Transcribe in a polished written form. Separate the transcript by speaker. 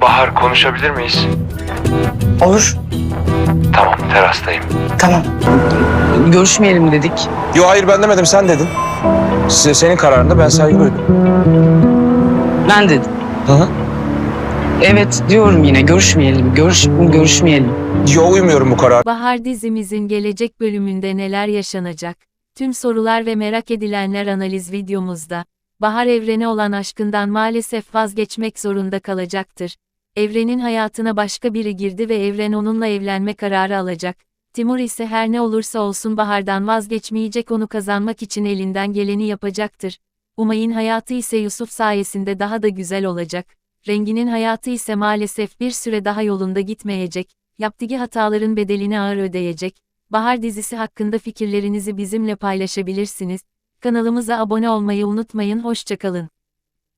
Speaker 1: Bahar, konuşabilir miyiz?
Speaker 2: Olur.
Speaker 1: Tamam, terastayım.
Speaker 2: Tamam. Görüşmeyelim dedik.
Speaker 3: Yo hayır ben demedim sen dedin. Senin kararında ben saygı duydum.
Speaker 2: Ben dedim.
Speaker 3: Hı hı.
Speaker 2: Evet diyorum yine görüşmeyelim.
Speaker 3: Yo uymuyorum bu karara.
Speaker 4: Bahar dizimizin gelecek bölümünde neler yaşanacak? Tüm sorular ve merak edilenler analiz videomuzda. Bahar Evren'e olan aşkından maalesef vazgeçmek zorunda kalacaktır. Evren'in hayatına başka biri girdi ve Evren onunla evlenme kararı alacak. Timur ise her ne olursa olsun Bahar'dan vazgeçmeyecek, onu kazanmak için elinden geleni yapacaktır. Umay'ın hayatı ise Yusuf sayesinde daha da güzel olacak. Rengi'nin hayatı ise maalesef bir süre daha yolunda gitmeyecek. Yaptığı hataların bedelini ağır ödeyecek. Bahar dizisi hakkında fikirlerinizi bizimle paylaşabilirsiniz. Kanalımıza abone olmayı unutmayın. Hoşça kalın.